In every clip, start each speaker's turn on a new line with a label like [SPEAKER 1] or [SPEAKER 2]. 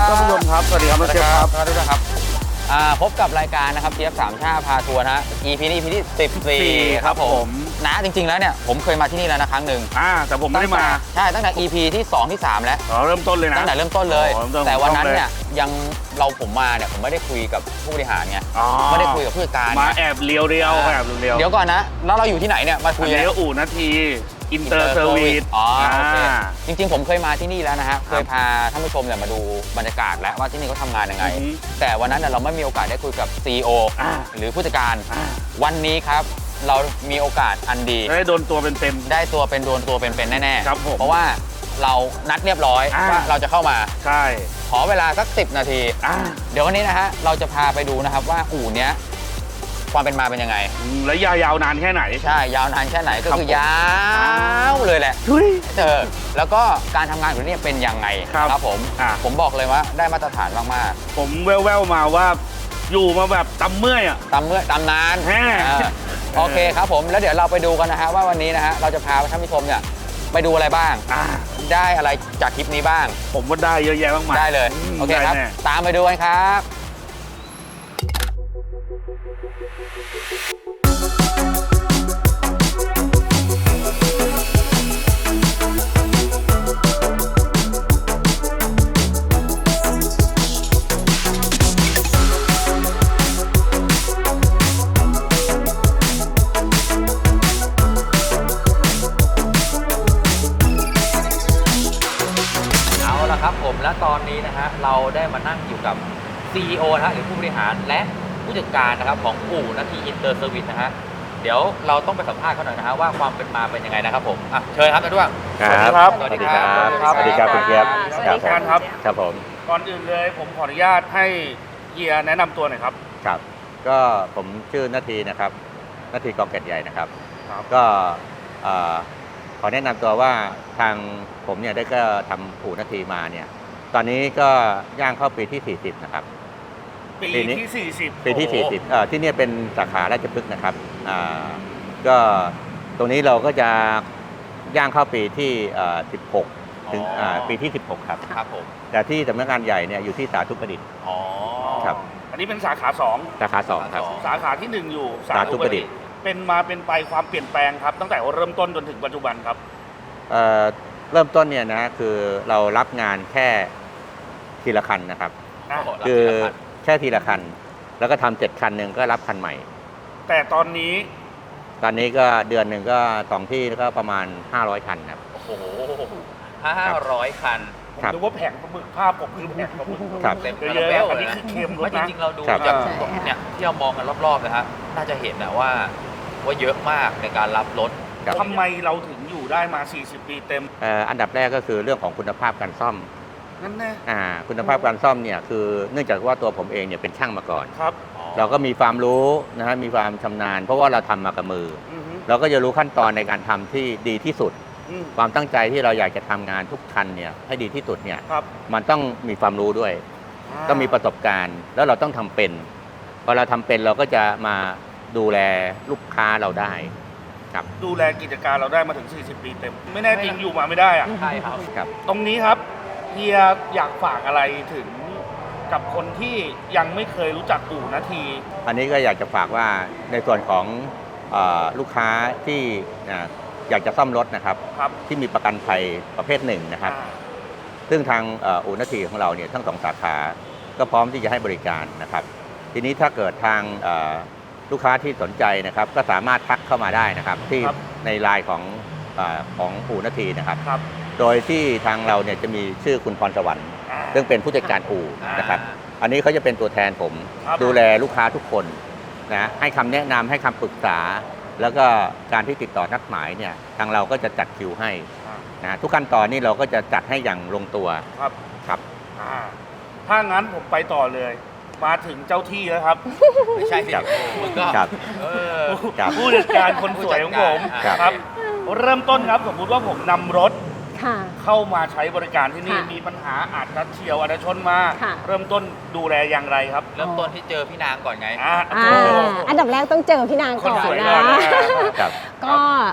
[SPEAKER 1] ท่านผู้ชมครับสวัสดีครับน้องเชฟครับ
[SPEAKER 2] สวัสดีครับพบกับรายการนะครับเทียบสามชาพาทัวร์นะฮะ EP นี้ EP ที่14ครับผมนะจริงๆแล้วเนี่ยผมเคยมาที่นี่แล้วนะครั้งหนึ่ง
[SPEAKER 1] แต่ผมไม่ได้มา
[SPEAKER 2] ใช่ตั้งแต่ EP ที่2ที่3แล้ว
[SPEAKER 1] เริ่มต้นเลยนะ
[SPEAKER 2] ตั้งแต่เริ่มต้นเลย
[SPEAKER 1] เริ่มต้น
[SPEAKER 2] แต่วันนั้นเนี่ยยังผมมาเนี่ยผมไม่ได้คุยกับผู้บริหารไงไม่ได้คุยกับผู้จัดการ
[SPEAKER 1] มาแอบเลี้ยวแอบเลี้ยว
[SPEAKER 2] เดี๋ยวก่อนนะแล้วเราอยู่ที่ไหนเนี่ยมาคุย
[SPEAKER 1] เลี้ยวอู่นาทีอินเตอร์เซอร์วิส
[SPEAKER 2] อ๋อโอเคจริงๆผมเคยมาที่นี่แล้วนะฮะเคยพาท่านผู้ชมเนี่ยมาดูบรรยากาศแล้วว่าที่นี่เขาทำงานยังไงแต่วันนั้นเราไม่มีโอกาสได้คุยกับ CEO หรือผู้จัดการวันนี้ครับเรามีโอกาสอันดี
[SPEAKER 1] ได้โดนตัวเป็น
[SPEAKER 2] ได้ตัวเป็นโดนตัวเป็นแน่ๆ
[SPEAKER 1] ครับผม
[SPEAKER 2] เพราะว่าเรานัดเรียบร้อยว่าเราจะเข้ามา
[SPEAKER 1] ใช่
[SPEAKER 2] ขอเวลาสัก10 นาทีเดี๋ยววันนี้นะฮะเราจะพาไปดูนะครับว่าอู่เนี้ยความเป็นมาเป็นยังไง
[SPEAKER 1] และยาวนานแค่ไหน
[SPEAKER 2] ใช่ยาวนานแค่ไหนก็คือยาวเลยแหละแล้วก็การทำงานของนี่เป็นยังไงครับผมบอกเลยว่าได้มาตรฐานมาก
[SPEAKER 1] ๆผมแว่วๆมาว่าอยู่มาแบบตำเมื่อย
[SPEAKER 2] ตำนานโอเคครับผมแล้วเดี๋ยวเราไปดูกันนะฮะว่าวันนี้นะฮะเราจะพาท่านผู้ชมเนี่ยไปดูอะไรบ้างได้อะไรจากคลิปนี้บ้าง
[SPEAKER 1] ผมว่าได้เยอะแยะมากมาย
[SPEAKER 2] ได้เลยโอเคครับตามไปดูกันครับครับผมและตอนนี้นะฮะเราได้มานั่งอยู่กับ CEO นะฮะหรือผู้บริหารและผู้จัดการนะครับของอู่นาทีอินเตอร์เซอร์วิสนะฮะเดี๋ยวเราต้องไปสัมภาษณ์เขาหน่อยนะฮะว่าความเป็นมาเป็นยังไงนะครับผมเชิญครับท่านด้วง
[SPEAKER 1] ครับ
[SPEAKER 2] สวัสดีครับ
[SPEAKER 1] สวัสดีครับคุณเกียรติครับ
[SPEAKER 3] ครับผม
[SPEAKER 1] ก่อนอื่นเลยผมขออนุญาตให้เฮียแนะนำตัวหน่อยครับ
[SPEAKER 3] ครับก็ผมชื่อนาทีนะครับนาทีกองเกตใหญ่นะครับก็ขอแนะนำตัวว่าทางผมเนี่ยได้ก็ทำอู่นาทีมาเนี่ยตอนนี้ก็ย่างเข้าปีที่40นะครับ
[SPEAKER 1] ปีที่40
[SPEAKER 3] ปีที่40ที่นี่เป็นสาขาราชพฤกษ์นะครับก็ตรงนี้เราก็จะย่างเข้าปีที่16ถึงปีที่16ครับ
[SPEAKER 2] ผม
[SPEAKER 3] แต่ที่สำนักงานใหญ่เนี่ยอยู่ที่สาธุประดิษฐ์ครับ
[SPEAKER 1] อันนี้เป็นสาขา2
[SPEAKER 3] สาขา2ครับ
[SPEAKER 1] สาขาที่1อยู่
[SPEAKER 3] สาธุประดิษฐ์
[SPEAKER 1] เป็นมาเป็นไปความเปลี่ยนแปลงครับตั้งแต่เริ่มต้นจนถึงปัจจุบันครับ
[SPEAKER 3] เริ่มต้นเนี่ยนะคือเรารับงานแค่ทีละคันนะครับคือแค่ทีละคันแล้วก็ทำ7 คันหนึ่งก็รับคันใหม่
[SPEAKER 1] แต่ตอนนี้
[SPEAKER 3] ก็เดือนหนึ่งก็2 ที่ก็ประมาณ500 คันครับ
[SPEAKER 2] โอ้โห500 คัน
[SPEAKER 1] ผมดูว่าแผงปลาหมึกภาพผมคือแผงปลาหมึก
[SPEAKER 2] เต็ม
[SPEAKER 1] เยอะอันนี้คือเค็มรถนะ
[SPEAKER 2] จริงๆเราดูจากเนี่ยที่เรามองกันรอบๆนะฮะน่าจะเห็นนะว่าเยอะมากในการรับรถ
[SPEAKER 1] ทำไมเราถึงอยู่ได้มา40 ปีเต็ม
[SPEAKER 3] อันดับแรกก็คือเรื่องของคุณภาพการซ่อม
[SPEAKER 1] นั่นแน่
[SPEAKER 3] คุณภาพการซ่อมเนี่ยคือเนื่องจากว่าตัวผมเองเนี่ยเป็นช่างมาก่อน
[SPEAKER 1] ครับ
[SPEAKER 3] เราก็มีความรู้นะฮะมีความชำนาญเพราะว่าเราทำมากับมือเราก็จะรู้ขั้นตอนในการทำที่ดีที่สุดความตั้งใจที่เราอยากจะทำงานทุกคันเนี่ยให้ดีที่สุดเนี่ยมันต้องมีความรู้ด้วยต้องมีประสบการณ์แล้วเราต้องทำเป็นพอเราทำเป็นเราก็จะมาดูแลลูกค้าเราได้ครับ
[SPEAKER 1] ดูแลกิจการเราได้มาถึง40 ปีเต็มไม่แน่จริงอยู่มาไม่ได้
[SPEAKER 2] ใช่ครับ
[SPEAKER 1] ตรงนี้ครับเฮียอยากฝากอะไรถึงกับคนที่ยังไม่เคยรู้จักอู่นาที
[SPEAKER 3] อันนี้ก็อยากจะฝากว่าในส่วนของลูกค้าที่อยากจะซ่อมรถนะครับที่มีประกันภัยประเภท1นะครับซึ่งทางอู่นาทีของเราเนี่ยทั้ง2 สาขาก็พร้อมที่จะให้บริการนะครับทีนี้ถ้าเกิดทางลูกค้าที่สนใจนะครับก็สามารถทักเข้ามาได้นะครับที่ในไลน์ของอู่นาทีนะครับโดยที่ทางเราเนี่ยจะมีชื่อคุณพรสวรรค์ซึ่งเป็นผู้จัดการอู่นะครับอันนี้เขาจะเป็นตัวแทนผมดูแลลูกค้าทุกคนนะให้คำแนะนำให้คำปรึกษาแล้วก็การที่ติดต่อนัดหมายเนี่ยทางเราก็จะจัดคิวให้นะทุกขั้นตอนนี้เราก็จะจัดให้อย่างลงตัวครับ
[SPEAKER 1] ถ้างั้นผมไปต่อเลยมาถึงเจ้าที่แล้วครับ
[SPEAKER 2] ไม่ใช่สิ
[SPEAKER 1] ผู้จัดการคนสวยของผมครับเริ่มต้นครับสมมุติว่าผมนำรถเข้ามาใช้บริการที่นี่มีปัญหาอาจจะเฉียวอาจจะชนมาเริ่มต้นดูแลอย่างไรครับ
[SPEAKER 2] เริ่มต้นที่เจอพี่นางก่อนไง
[SPEAKER 4] อันดับแรกต้องเจอพี่นางก่อนนะก็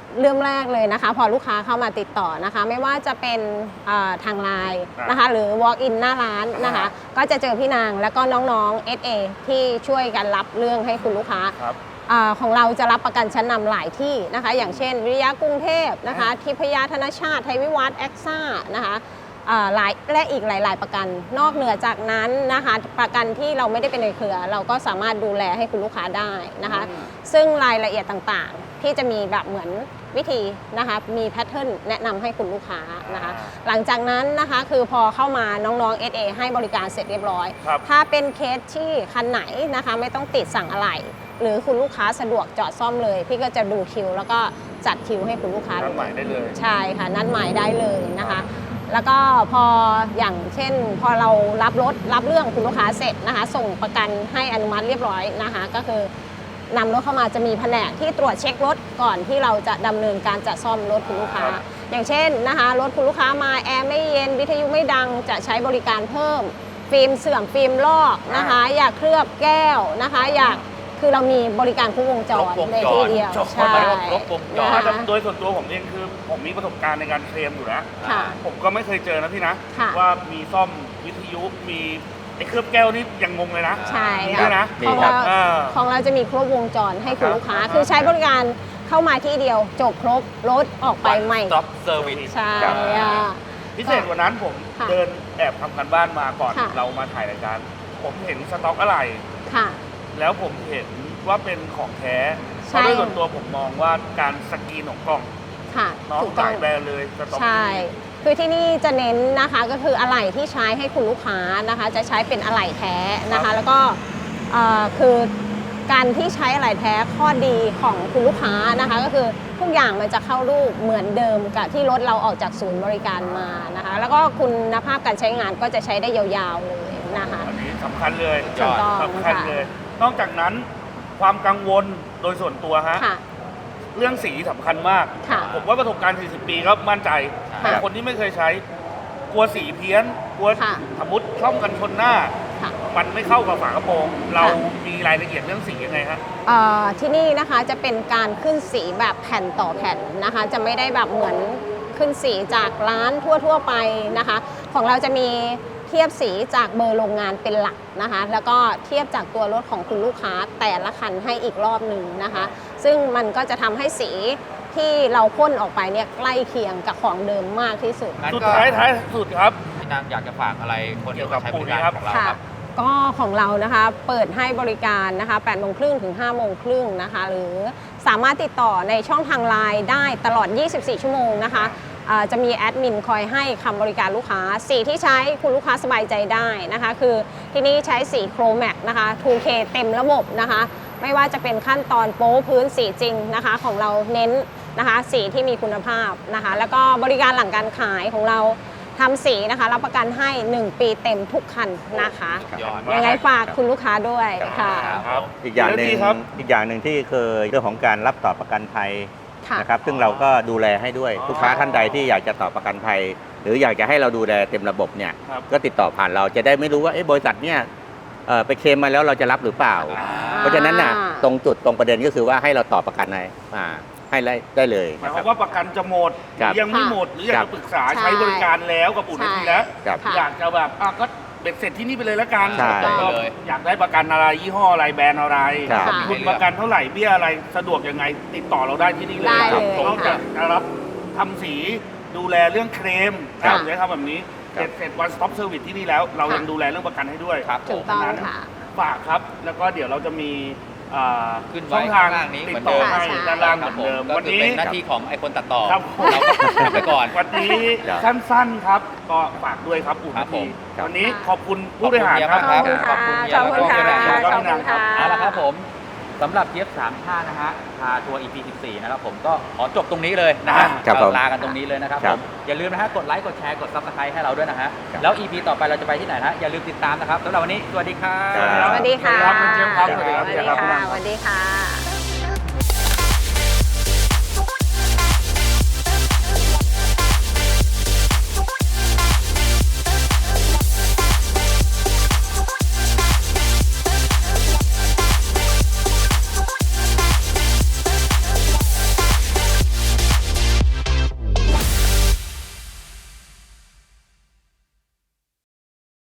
[SPEAKER 4] เริ่มแรกเลยนะคะพอลูกค้าเข้ามาติดต่อนะคะไม่ว่าจะเป็นทางไลน์นะคะหรือ walk in หน้าร้านนะคะก็จะเจอพี่นางแล้วก็น้องๆ SA ที่ช่วยกันรับเรื่องให้คุณลูกค้าของเราจะรับประกันชั้นนำหลายที่นะคะอย่างเช่นวิริยะกรุงเทพนะคะทิพยธนชาติไทยวิวัฒน์แอคซ่านะคะหลายและอีกหลายๆประกันนอกเหนือจากนั้นนะคะประกันที่เราไม่ได้เป็นในเครือเราก็สามารถดูแลให้คุณลูกค้าได้นะคะซึ่งรายละเอียดต่างๆที่จะมีแบบเหมือนวิธีนะคะมีแพทเทิร์นแนะนำให้คุณลูกค้านะคะหลังจากนั้นนะคะคือพอเข้ามาน้องๆ SA ให้บริการเสร็จเรียบร้อยถ้าเป็นเคสที่คันไหนนะคะไม่ต้องติดสั่งอะไหล่หรือคุณลูกค้าสะดวกจอดซ่อมเลยพี่ก็จะดูคิวแล้วก็จัดคิวให้คุณลูกค้านัดหมายได้เลยใช่ค่ะนัดหมายได้เลยนะคะแล้วก็พออย่างเช่นพอเรารับรถรับเรื่องคุณลูกค้าเสร็จนะคะส่งประกันให้อนุมัติเรียบร้อยนะคะก็คือนำรถเข้ามาจะมีแผนกที่ตรวจเช็ครถก่อนที่เราจะดำเนินการจัดซ่อมรถคุณลูกค้าอย่างเช่นนะคะรถคุณลูกค้ามาแอร์ไม่เย็นวิทยุไม่ดังจะใช้บริการเพิ่มฟิล์มเสื่อมฟิล์มลอกนะคะอยากเคลือบแก้วนะคะอยากคือเรามีบริการครบวงจรในที่เดียวใช่
[SPEAKER 1] โดยส่วนตัวผมเองคือผมมีประสบการณ์ในการเคลมอยู่นะผมก็ไม่เคยเจอนะพี่นะว่ามีซ่อมวิทยุมีไอ้เคลือบแก้วนี่ยังงงเลยนะ
[SPEAKER 4] ใช่
[SPEAKER 1] นะ
[SPEAKER 4] ของเราจะมีครบวงจรให้คุณลูกค้าคือใช้บริการเข้ามาที่เดียวจบครบรถออกไปใหม่ใช่
[SPEAKER 1] พิเศษกว่านั้นผมเดินแอบทำกันบ้านมาก่อนเรามาถ่ายรายการผมเห็นสต็อกอะไรแล้วผมเห็นว่าเป็นของแท้เพราะด้วยส่วนตัวผมมองว่าการสกรีนของกล่องน้องจ่ายแบรนด์เลยสต็อกนี้
[SPEAKER 4] คือที่นี่จะเน้นนะคะก็คืออะไหล่ที่ใช้ให้คุณลูกค้านะคะจะใช้เป็นอะไหล่แท้นะคะแล้วก็คือการที่ใช้อะไหล่แท้ข้อดีของคุณลูกค้านะคะก็คือทุกอย่างมันจะเข้ารูปเหมือนเดิมกับที่รถเราออกจากศูนย์บริการมานะคะแล้วก็คุณภาพการใช้งานก็จะใช้ได้ยาวๆเลยนะคะ
[SPEAKER 1] อันนี้สำคัญเลยสำคัญเลยนอกจากนั้นความกังวลโดยส่วนตัวฮะเรื่องสีสำคัญมากผมว่าประสบการณ์40 ปีก็มั่นใจแต่คนที่ไม่เคยใช้กลัวสีเพี้ยนกลัวสมมติช่องกันชนหน้ามันไม่เข้ากับฝากระโปรงเรามีรายละเอียดเรื่องสียังไงฮะ
[SPEAKER 4] ที่นี่นะคะจะเป็นการขึ้นสีแบบแผ่นต่อแผ่นนะคะจะไม่ได้แบบเหมือนขึ้นสีจากร้านทั่วๆไปนะคะของเราจะมีเทียบสีจากเบอร์โรงงานเป็นหลักนะคะแล้วก็เทียบจากตัวรถของคุณลูกค้าแต่ละคันให้อีกรอบหนึ่งนะคะซึ่งมันก็จะทำให้สีที่เราพ่นออกไปเนี่ยใกล้เคียงกับของเดิมมากที่สุด
[SPEAKER 1] สุดท้ายสุดครับ
[SPEAKER 2] พี่นางอยากจะฝากอะไรคนที่ใช้บริการของเราครับ
[SPEAKER 4] ก็ของเรานะคะเปิดให้บริการนะคะ8 โมงครึ่งถึง5 โมงครึ่งนะคะหรือสามารถติดต่อในช่องทางไลน์ได้ตลอด24 ชั่วโมงนะคะจะมีแอดมินคอยให้คำบริการลูกค้าสีที่ใช้คุณลูกค้าสบายใจได้นะคะคือที่นี่ใช้สีโครแม็กนะคะ 2K เต็มระบบนะคะไม่ว่าจะเป็นขั้นตอนโป๊พื้นสีจริงนะคะของเราเน้นนะคะสีที่มีคุณภาพนะคะแล้วก็บริการหลังการขายของเราทำสีนะคะรับประกันให้1 ปีเต็มทุกคันนะคะยังไงฝากคุณลูกค้าด้วยค่ะ
[SPEAKER 3] อีกอย่างหนึ่งที่เคยเรื่องของการรับต่อประกันภัยนะครับซึ่งเราก็ดูแลให้ด้วยลูกค้าท่านใดที่อยากจะต่อประกันภัยหรืออยากจะให้เราดูแลเต็มระบบเนี่ยก็ติดต่อผ่านเราจะได้ไม่รู้ว่าบริษัทเนี่ยไปเคลมมาแล้วเราจะรับหรือเปล่าเพราะฉะนั้นน่ะตรงจุดตรงประเด็นก็คือว่าให้เราต่อประกันให้ได้เลย
[SPEAKER 1] หมายความว่าประกันจะหมดยังไม่หมดหรืออยากจะปรึกษาใช้บริการแล้วกับปู่นาทีแล้วอยากจะแบบก็เบ็ดเสร็จที่นี่ไปเลยละกันอยากได้ประกันอะไรยี่ห้ออะไรแบรนด์อะไรคุณประกันเท่าไหร่เบี้ยอะไรสะดวกยังไงติดต่อเราได้ที่นี่เลยนอกจากรับทำสีดูแลเรื่องเคลมเราจะทำแบบนี้เสร็จวันสต็อปเซอร์วิสที่นี่แล้วเรายังดูแลเรื่องประกันให้ด้วย
[SPEAKER 4] ถูกต้องค่ะ
[SPEAKER 1] ฝากครับแล้วก็เดี๋ยวเราจะมี
[SPEAKER 2] ขึ้น
[SPEAKER 1] ช่องทาง
[SPEAKER 2] นี้
[SPEAKER 1] ติดต่อให้ด้านล่างเหมือนเดิม
[SPEAKER 2] วันนี้เป็นหน้าที่ของไอคนตัดต่อ
[SPEAKER 1] เราก็ไปก่อนวันนี้สั้นๆครับก็ฝากด้วยครับปู่นาทีวันนี้ขอบคุณผู้บริหารครับ
[SPEAKER 4] ขอบคุณค่ะขอบคุณค่ะ
[SPEAKER 2] เอาละครับผมสำหรับเจี๊ยบ3 ท่านะฮะพาทัวร์ EP 14นะครับผมก็ขอจบตรงนี้เลยนะฮะลากันตรงนี้เลยนะครับผมอย่าลืมนะฮะกดไลค์กดแชร์กด Subscribe ให้เราด้วยนะฮะแล้ว EP ต่อไปเราจะไปที่ไหนนะอย่าลืมติดตามนะครับสำหรับวันนี้สวัสดีครับ
[SPEAKER 4] สวัสดีค่ะ
[SPEAKER 1] สวัสดีครับ
[SPEAKER 4] สวัสดีค่ะ